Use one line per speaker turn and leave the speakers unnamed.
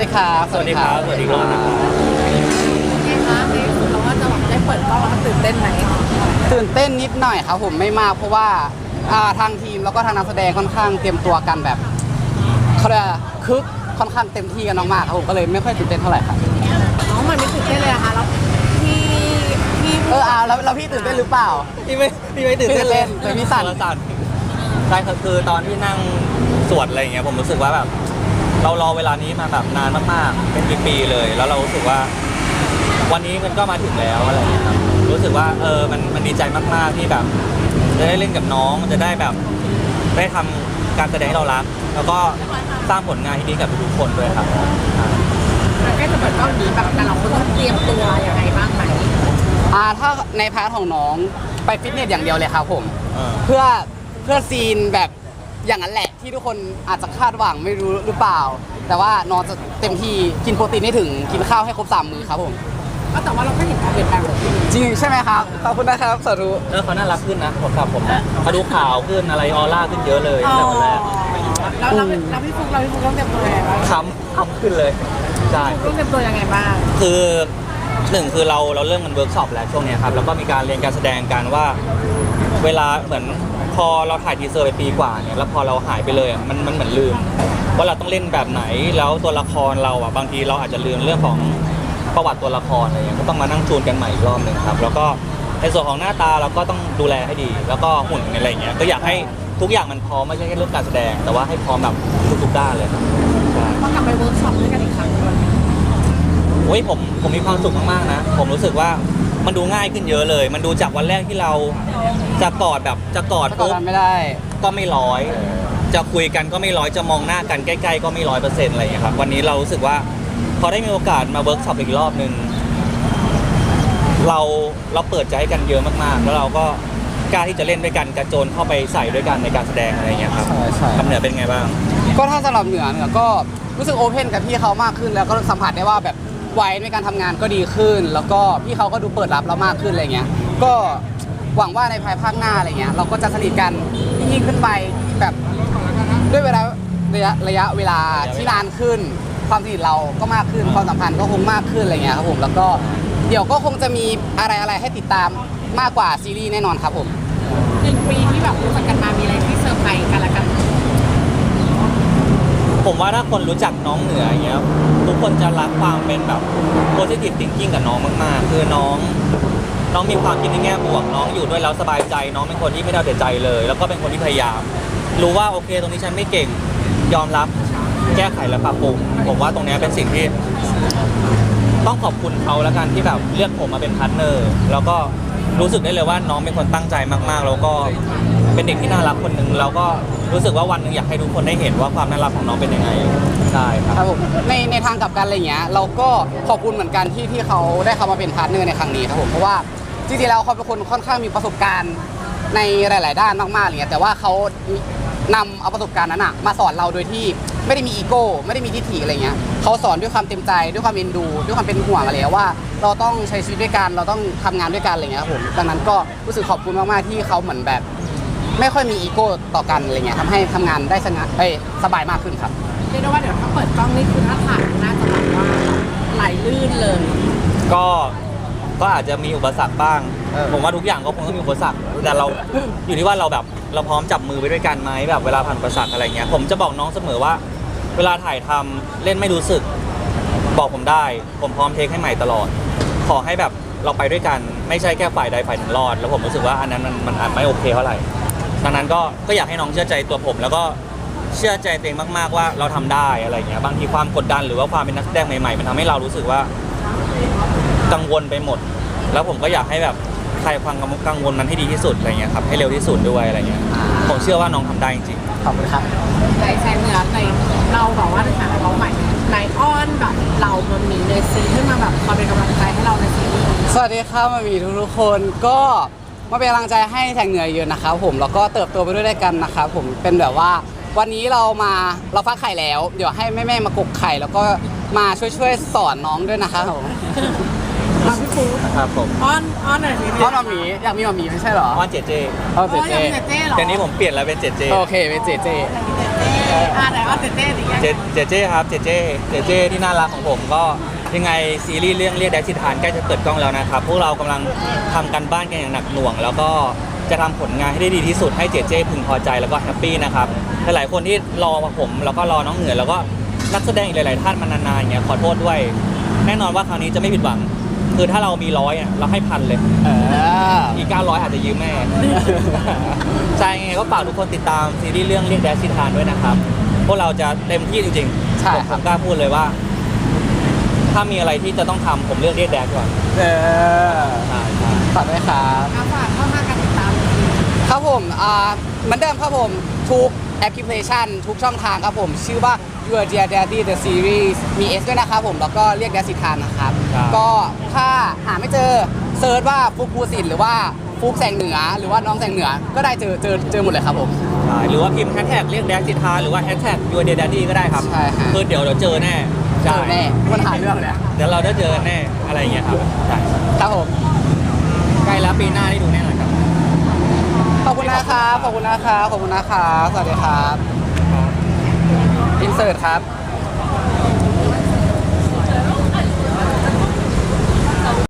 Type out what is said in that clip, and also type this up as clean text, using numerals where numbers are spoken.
ดีครับ
สวัสดีครับสวัสดีครับ
ไงคะในที่สุดเราก็จะแบบได้เปิดกล้องแล้วมันตื่นเต้นไหม
ตื่นเต้นนิดหน่อยครับผมไม่มากเพราะว่าทางทีมแล้วก็ทางนักแสดงค่อนข้างเตรียมตัวกันแบบเขาเรียกว่าคึกค่อนข้างเต็มที่กันมากๆครับผมก็เลยไม่ค่อยตื่นเต้นเท่าไหร่ครับ
น้องมันไม่ตื่นเต้นเลยอะคะแล้วพี่
แล้วพี่ตื่นเต้นหรือเปล่า
พี่ไม่ตื่นเต้นเลย
แต่พี่สั่น
ใช่คือตอนที่นั่งสวดอะไรอย่างเงี้ยผมรู้สึกว่าแบบเรารอเวลานี้มาแบบนานมากๆเป็นปีๆเลย แล้วเรารู้สึกว่าวันนี้มันก็มาถึงแล้วอะไรอย่างเงี้ยครับรู้สึกว่ามันดีใจมากๆที่แบบจะได้เล่นกับน้องจะได้แบบได้ทำการแสดงให้เรารัก แล้วก็สร้างผลงานที่ดีกับทุกๆคนด้วยครับ
ใกล้จะเปิดกล้องนี้แบบแต่เราคนต้องเตรียมตัวยังไงบ้างไหม
ถ้าในพาร์ทของน้องไปฟิตเนสอย่างเดียวเลยครับผม
เออ
เพื่อซีนแบบอย่างนั้นแหละที่ทุกคนอาจจะคาดหวังไม่รู้หรือเปล่า แต่ว่าน้องจะเต็มที่กินโปรตีนให้ถึงกินข้าวให้ครบ3 มื้อครับผม
ก็แต่ว่าเราก็เห็นความเปลี่ยนแปลงของพี่
จริงใช่ไหมครับขอบคุณนะครับสาธุ
เขาน่ารักขึ้นนะผมกับผมนะเขาดูขาวขึ้นอะไรออร่าขึ้นเยอะเลยตั้งแต่วันแรก
แล้วพี่ฟุกต้องเตรียมตัวยังไงบ้าง
ค้ำขึ้นเลยใช่
ต้องเตรียมตัวยังไงบ้าง
คือหนึ่งคือเราเริ่มกันเวิร์กช็อปแล้วช่วงเนี้ยครับแล้วก็มีการเรียนการแสดงกันว่า เวลาเหมือนพอเราถ่ายทีเซอร์ไปปีกว่าเนี่ยแล้วพอเราหายไปเลยมันเหมือนลืม ว่าเราต้องเล่นแบบไหนแล้วตัวละครเราอ่ะบางทีเราอาจจะลืมเรื่องของประวัติตัวละครอะไรเงี้ยก็ต้องมานั่งจูนกันใหม่อีกรอบหนึ่งครับแล้วก็ในส่วนของหน้าตาเราก็ต้องดูแลให้ดี แล้วก็หุ่นอะไรเงี้ยก็อยากให้ทุกอย่างมันพร้อมไม่ใช่แค่เรื่องการแสดง แต่ว่าให้พร้อมแบบทุกๆด้านเลยครับใช่
ต้องกลับไปเวิร์กช็อปด้วยกันอีกครั้งด้วย
โอ้ยผมมีความสุขมากๆนะผมรู้สึกว่ามันดูง่ายขึ้นเยอะเลย มันดูจากวันแรกที่เราจะกอด
ถ้ากอด
ปุ๊บ
กันไม่ได้
ก็ไม่ร้อยจะคุยกันก็ไม่ร้อยจะมองหน้ากันใกล้ๆก็ไม่100%อะไรอย่างเงี้ยครับวันนี้เรารู้สึกว่าพอได้มีโอกาสมาเวิร์กช็อปอีกรอบนึงเราเปิดใจให้กันเยอะมากๆแล้วเราก็กล้าที่จะเล่นด้วยกันกระโจนเข้าไปใส่ด้วยกันในการแสดงอะไรอย่างเงี้ยครับ
ใช่
คำเหนือเป็นไงบ้าง
ก็ถ้าสำหรับเหนือก็รู้สึกโอเพนกับพี่เขามากขึ้น แล้วก็สัมผัสได้ว่าแบบวัยในการทำงานก็ดีขึ้น แล้วก็พี่เขาก็ดูเปิดรับเรามากขึ้นอะไรเงี้ยก็หวังว่าในภายภาคหน้าอะไรเงี้ยเราก็จะสนิทกันยิ่งขึ้นไปแบบด้วยเวลาระยะเวลาที่นานขึ้น ความสนิทเราก็มากขึ้นความสัมพันธ์ก็คงมากขึ้นอะไรเงี้ยครับผมแล้วก็เดี๋ยวก็คงจะมีอะไรให้ติดตามมากกว่าซีรีส์แน่นอนครับผม
1 ปีที่แบบรู้จักกันมามีอะไรที่เซอร์ไพรส์กันละกัน
ผมว่าถ้าคนรู้จักน้องเหนืออย่างเงี้ยทุกคนจะรักความเป็นแบบ positive thinking กับน้องมากๆคือน้องมีความคิดในแง่บวกน้องอยู่ด้วยแล้วสบายใจน้องเป็นคนที่ไม่ได้เอาแต่ใจเลย แล้วก็เป็นคนที่พยายาม รู้ว่าโอเคตรงนี้ฉันไม่เก่งยอมรับแก้ไขและปรับปรุงผมว่าตรงเนี้ยเป็นสิ่งที่ต้องขอบคุณเขาแล้วกันที่แบบเลือกผมมาเป็นพาร์ทเนอร์แล้วก็รู้สึกได้เลยว่าน้องเป็นคนตั้งใจมากๆแล้วก็เป็นเด็กที่น่ารักคนหนึ่งแล้วก็รู้สึกว่าวันหนึ่งอยากให้ทุกคนได้เห็นว่าความน่ารักของน้องเป็นยังไงใช่ครับ
ครับผมในทางกลับกันอะไรเงี้ยเราก็ขอบคุณเหมือนกันที่เขาได้เข้ามาเป็นพาร์ทเนอร์ในครั้งนี้ครับผมเพราะว่าจริงๆแล้วเขาเป็นคนค่อนข้างมีประสบการณ์ในหลายๆด้านมากๆอะไรเงี้ยแต่ว่าเขานำเอาประสบการณ์นั้นอะมาสอนเราโดยที่ไม่ได้มีอีโก้ไม่ได้มีทิฐิอะไรเงี้ยเขาสอนด้วยความเต็มใจด้วยความเอ็นดูด้วยความเป็นห่วงอะไรว่าเราต้องใช้ชีวิตด้วยกันเราต้องทำงานด้วยกันอะไรเงี้ยครับผมดังนั้นก็รู้สึกขอบคุณมากๆที่เขาเหมือนแบบ ไม่ค่อยมีอีโก้ต่อกันอะไรเงี้ยทำให้ทำงานได้สบายมากขึ้นครับ
เรียกได้ว่าเดี๋ยวถ้าเปิดกล้องนี่คือถ้าถ่ายน่าจะแบบว่าไหลลื่นเลย
ก็อาจจะมีอุปสรรคบ้าง ผมว่าทุกอย่างก็คงต้องมีอุปสรรคแต่เราอยู่ที่ว่าเราแบบเราพร้อมจับมือไปด้วยกันไหมแบบเวลาผ่านอุปสรรคอะไรเงี้ยผมจะบอกน้องเสมอว่า เวลาถ่ายทำเล่นไม่รู้สึกบอกผมได้ ผมพร้อมเทคให้ใหม่ตลอด ขอให้แบบเราไปด้วยกันไม่ใช่แค่ฝ่ายใดฝ่ายหนึ่งรอด แล้วผมรู้สึกว่าอันนั้นมันอาจไม่โอเคเท่าไหร่ดังนั้นก็อยากให้น้องเชื่อใจตัวผม แล้วก็เชื่อใจตัวเองมากๆว่าเราทำได้อะไรเงี้ยบางทีความกดดันหรือว่าความเป็นนักแสดงใหม่ๆมันทำให้เรารู้สึกว่ากังวลไปหมด แล้วผมก็อยากให้แบบคลายความกังวลนั้นให้ดีที่สุดอะไรเงี้ยครับให้เร็วที่สุดด้วยอะไรเงี้ยผมเชื่อว่าน้องทำได้จริง
ขอบคุณครับ
ในแซงเหนือในเราแบบว่าในฐานะน้องใหม่ในอ้อนแบบเรามันมีในซีนขึ้นมาแบบคอยเป็นกำลังใจให้เราในซีรีส์
สวัสดีครับมามีทุกๆคนก็มาเป็นกำลังใจให้แทงเหนือเยอะนะครับผมแล้วก็เติบโตไปด้วยกันนะครับผมเป็นแบบว่าวันนี้เราฟักไข่แล้วเดี๋ยวให้แม่ๆมากกไข่แล้วก็มาช่วยสอนน้องด้วยนะครับผม
มาพี่ฟู
ๆครับผม
อ้อนหน่อยสิ
เพราะมามีอยากมีมามีไม่ใช่เหรอ
อ้อนเจเจ
เอาเจเจ
เจ๊เหรอ
เดี๋ยวนี้ผมเปลี่ยนแล้วเป็นเจเจ
โอเคเป็นเจเจ
เจ๊ไหนว่าเจเจหรือยัง
เจเจครับเจเจที่น่ารักของผมก็ยังไงซีรีส์เรื่องเรียกแดกสิทานใกล้จะเปิดกล้องแล้วนะครับพวกเรากำลังทำกันบ้านกันอย่างหนักหน่วง แล้วก็จะทำผลงานให้ได้ดีที่สุดให้เจเจพึงพอใจแล้วก็แฮปปี้นะครับหลายๆคนที่รอผมแล้วก็รอน้องเหนือแล้วก็นักแสดงอีกหลายๆท่านมานานๆอย่างเงี้ยขอโทษด้วย แน่นอนว่าครั้งนี้จะไม่ผิดหวัง คือถ้าเรามี100อ่ะเราให้1,000เลย อีก900อาจจะยืมแม่ ใช่ไงก็ฝากทุกคนติดตามซีรีส์เรื่องเรียกแดชซิทานด้วยนะครับ พวกเราจะเต็มที่จริงๆ
ใช่
ผม
ครับ
กล้าพูดเลยว่า ถ้ามีอะไรที่จะต้องทำผมเลือกเรียกแดชก่อน
เออ
ใช่ใช่
ฝากด้วยครับ
ฝากเข้ามากันติดตาม
ครับผมเหมือนเดิมครับผมทุกแอปพลิเคชันทุกช่องทางครับผมชื่อว่า Your Dear Daddy The Series มี S ด้วยนะครับผมแล้วก็เรียกแดสิทานนะครับ ก็ถ้าหาไม่เจอเซิร์ชว่าฟุกภูสินหรือว่าฟุกแสงเหนือหรือว่าน้องแสงเหนือก็ได้เจอหมดเลยครับผม
ใช่หรือว่าพิมพ์แฮชแท็กเรียกแดชซิทานหรือว่าแฮชแท็กยูเดดดี้ก็ได้ครับ
ใช่ฮะ
คือเดี๋ยวเจอแน่
เจอแน่มันหาเรื่องเลยอะ
เดี๋ยวเราได้เจอกันแน่อะไรอย่างเงี้ยครับใช่
ครับผม
ใกล้แล้วปีหน้าได้ดูแน่นอนครับ
ขอบคุณนะครับขอบคุณนะครับขอบคุณนะครับสวัสดีครับอินเสิร์ตครับ